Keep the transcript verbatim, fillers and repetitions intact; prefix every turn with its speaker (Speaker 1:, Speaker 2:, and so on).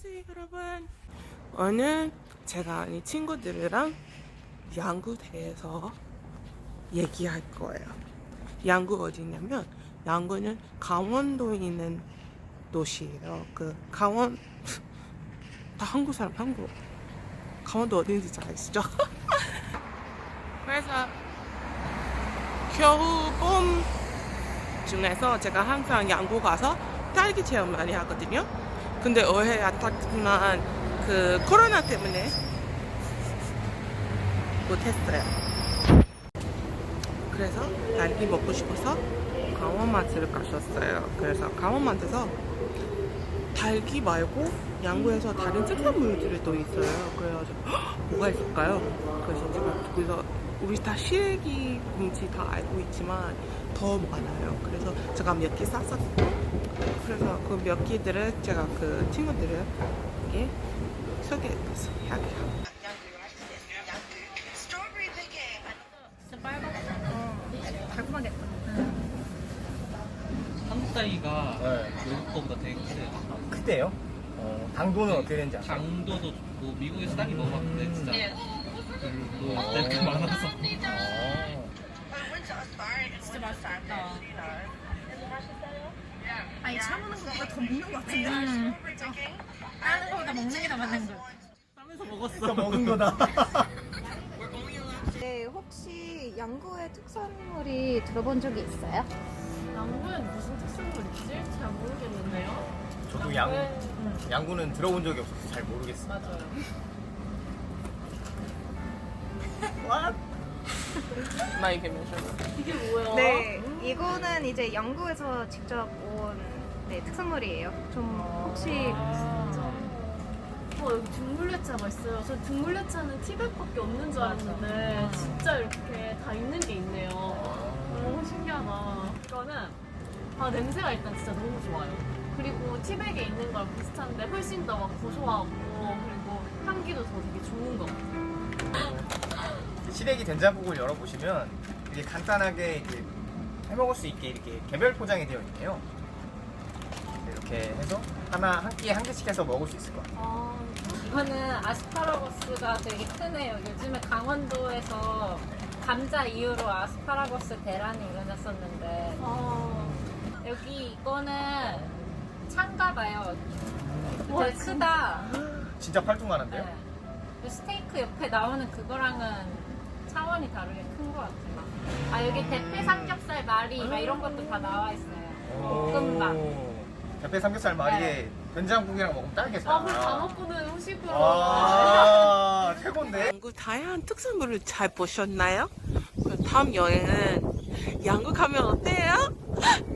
Speaker 1: 안녕하세요 여러분. 오늘 제가 아는 친구들이랑 양구 대해서 얘기할 거예요. 양구 어디냐면 양구는 강원도에 있는 도시예요. 그 강원 다 한국 사람 한국 강원도 어딘지 잘 아시죠? 그래서 겨우 봄 중에서 제가 항상 양구 가서 딸기 체험 많이 하거든요. 근데 올해 안타깝지만 그 코로나 때문에 못했어요. 그래서 딸기 먹고 싶어서 강원마트를 가셨어요. 그래서 강원마트에서 딸기 말고 양구에서 다른 특산물들이 또 있어요. 그래가지고 헉, 뭐가 있을까요? 그래서 제가 거기서 우리 다 시래기 뭔지 다 알고 있지만 더 많아요. 그래서 제가 몇 개 쌌었고, 그래서 그 몇 개들을 제가 그 친구들에게 소개해드렸어요.
Speaker 2: 진짜 빨갛다. 어, 달콤하겠다.
Speaker 3: 한국 딸기가
Speaker 4: 네.
Speaker 3: 외국 거보다 되게 크대요.
Speaker 4: 크대요? 어, 당도는 어떻게 되는지 아세요?
Speaker 3: 당도도 좋고 미국에서 딸기 먹어봤는데 진짜 별로 딸기 많아서.
Speaker 4: 어.
Speaker 2: 진짜 맛있다. 아니, 샤무는 것보다 더 먹는 것 같은데? 음. 그쵸? 다른 거보다 먹는 게 더 맞는 거.
Speaker 3: 하면서 먹었어.
Speaker 4: 또 먹은 거다.
Speaker 5: 네, 혹시 양구의 특산물이 들어본 적이 있어요?
Speaker 2: 양구엔 무슨 특산물 있지? 잘 모르겠는데요.
Speaker 4: 저도 양,
Speaker 2: 응,
Speaker 4: 양구는 들어본 적이 없어서 잘 모르겠어요.
Speaker 2: 맞아요.
Speaker 1: 나에게 mention.
Speaker 2: 이게 뭐야?
Speaker 5: 네, 이거는 이제 양구에서 직접 온 네, 특산물이에요. 좀 혹시
Speaker 2: 어, 여기 둥글레차가 있어요. 저 둥글레차는 티백밖에 없는 줄 알았는데 진짜 이렇게 다 있는 게 있네요. 너무 신기하다. 이거는 아, 냄새가 일단 진짜 너무 좋아요. 그리고 티백에 있는 거랑 비슷한데 훨씬 더 막 고소하고 그리고 향기도 더 되게 좋은 것 같아요.
Speaker 4: 시래기 된장국을 열어보시면 이게 간단하게 이렇게 해먹을 수 있게 이렇게 개별 포장이 되어 있네요. 이렇게 해서 하나 한 끼에 한 개씩 해서 먹을 수 있을 것 같아요.
Speaker 2: 아,
Speaker 6: 이거는 아스파라거스가 되게 크네요. 요즘에 강원도에서 감자 이후로 아스파라거스 대란이 일어났었는데
Speaker 2: 아,
Speaker 6: 여기 이거는 창가봐요.
Speaker 2: 와,
Speaker 6: 되게 크다.
Speaker 4: 진짜 팔뚝만한데요?
Speaker 6: 네. 그 스테이크 옆에 나오는 그거랑은 차원이 다르게 큰 것 같아요. 아 여기 대패 삼겹살 말이 막 이런 것도 다 나와 있어요. 볶음밥.
Speaker 4: 대패 삼겹살 마리에 된장국이랑 먹으면 딱이겠다.
Speaker 2: 아, 그럼 다 먹고는 후식으로.
Speaker 4: 아, 최고인데?
Speaker 1: 양구 다양한 특산물을 잘 보셨나요? 그럼 다음 여행은 양구 가면 어때요?